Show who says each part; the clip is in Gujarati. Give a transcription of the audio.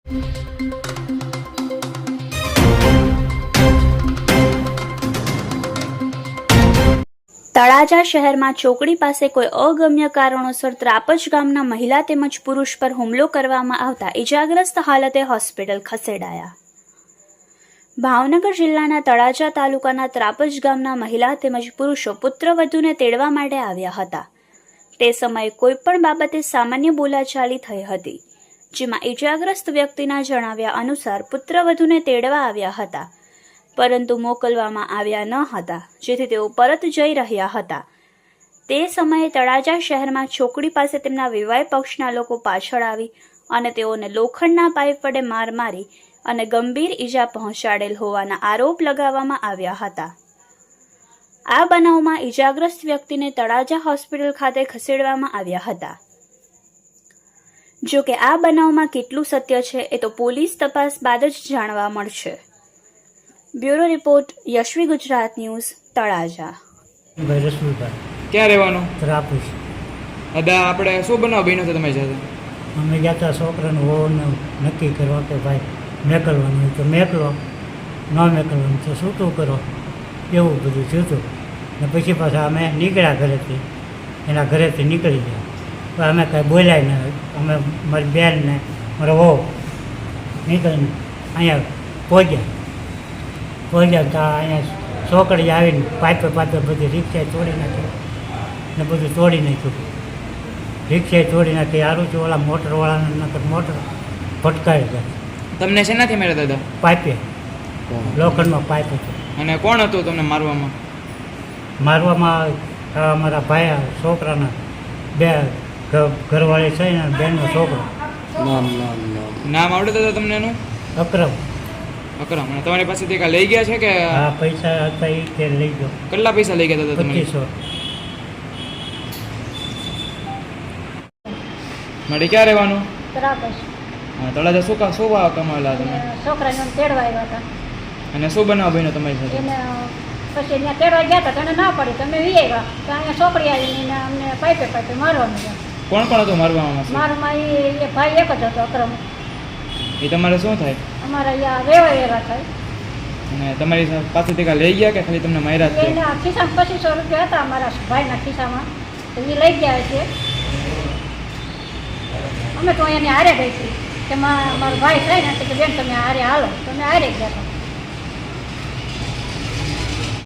Speaker 1: તળાજા શહેરમાં ચોકડી પાસે કોઈ અગમ્ય કારણોસર ત્રાપજ ગામના મહિલા તેમજ પુરુષ પર હુમલો કરવામાં આવતા ઇજાગ્રસ્ત હાલતે હોસ્પિટલ ખસેડાયા. ભાવનગર જિલ્લાના તળાજા તાલુકાના ત્રાપજ ગામના મહિલા તેમજ પુરુષો પુત્રવધૂને તેડવા માટે આવ્યા હતા. તે સમયે કોઈપણ બાબતે સામાન્ય બોલાચાલી થઈ હતી, જેમાં ઇજાગ્રસ્ત વ્યક્તિના જણાવ્યા અનુસાર પુત્રવધૂને તેડવા આવ્યા હતા, પરંતુ મોકલવામાં આવ્યા ન હતા, જેથી તેઓ પરત જઈ રહ્યા હતા. તે સમયે તળાજા શહેરમાં ચોકડી પાસે તેમના વિવાહ પક્ષના લોકો પાછળ આવી અને તેઓને લોખંડના પાઇપ વડે માર મારી અને ગંભીર ઈજા પહોંચાડેલ હોવાના આરોપ લગાવવામાં આવ્યા હતા. આ બનાવમાં ઈજાગ્રસ્ત વ્યક્તિને તળાજા હોસ્પિટલ ખાતે ખસેડવામાં આવ્યા હતા. જો કે આ બનાવમાં કેટલું સત્ય છે એ તો પોલીસ તપાસ બાદ જ જાણવા મળશે. Bureau report, Yashvi Gujarat news, Talaja.
Speaker 2: ભાઈ રસુલભાઈ.
Speaker 3: ક્યાં રહેવાનું?
Speaker 2: ત્રાપજ.
Speaker 3: દાદા, આપણે શું બનાવ બન્યો છે તમારી સાથે?
Speaker 2: અમે ગયા હતા છોકરાનું હોવાનું નક્કી કરવા કે ભાઈ મેકલવાનું તો મેકલો, ન મેકલવાનું તો છૂટું કરો, એવું બધું થયું હતું. ને પછી પાછા અમે નીકળ્યા ઘરેથી, એના ઘરેથી નીકળી ગયા. પણ અમે કાંઈ બોલ્યા નહીં. અમે મારી બેન ને મારો વહુ નીકળીને અહીંયા પહોંચ્યા તો અહીંયા છોકરી આવીને પાઇપે બધી રિક્ષાએ તોડી નાખી ને બધું તોડી નાખ્યું. રિક્ષાએ તોડી નાખી. સારું છે ઓલા મોટરવાળાને નકર મોટર ફટકારી ગયા.
Speaker 3: તમને શેનાથી માર્યા દાદા?
Speaker 2: પાઇપે, લોખંડમાં પાઇપ હતો.
Speaker 3: અને કોણ હતું તમને મારવામાં?
Speaker 2: મારવામાં અમારા ભાઈ છોકરાના બે ઘરવાળી છે ને બેનનો છોકરો.
Speaker 3: નામ આવડે દાદા તમને એનું?
Speaker 2: અકરમ.
Speaker 3: અકરમ. અને તમારી પાસેથી કાંઈ લઈ ગયા છે કે?
Speaker 2: હા, પૈસા હતા એ તે લઈ ગયો.
Speaker 3: કેટલા પૈસા લઈ ગયા દાદા તમે?
Speaker 2: 2500.
Speaker 3: મારી ક્યાં રહેવાનું?
Speaker 4: ત્રાપજ.
Speaker 3: હા, તળાજા શું ભાવ કમાવેલા તમે?
Speaker 4: છોકરાને તેડવા આવ્યા હતા.
Speaker 3: અને શું બનાવ બન્યો તમારી સાથે?
Speaker 4: એને પછી ત્યાં તેડવા ગયા હતા, તને ના પડી, તમે વી આવ્યા તો અહીંયા છોકરી આવીને અમને પાઇપે મારવાનું છે.
Speaker 3: કોણ કોણ હતું મારવામાં?
Speaker 4: મારામાં એ ભાઈ એક જ હતો, અકરમ.
Speaker 3: એ તમારે શું થાય?
Speaker 4: અમારા અહીંયા રહેવા એવા થાય.
Speaker 3: અને તમારી પાસેથી કાંઈ લઈ ગયા કે ખાલી તમને માર્યા જ?
Speaker 4: એના ખિસ્સામાં 2500 રૂપિયા હતા અમારા ભાઈના ખિસ્સામાં, તો એ લઈ ગયા છે. અમે તો એને હારે ગઈ હતી કે મારો ભાઈ થાય ને કે બેન તમે હારે હાલો, તો અમે હારે ગયા હતા.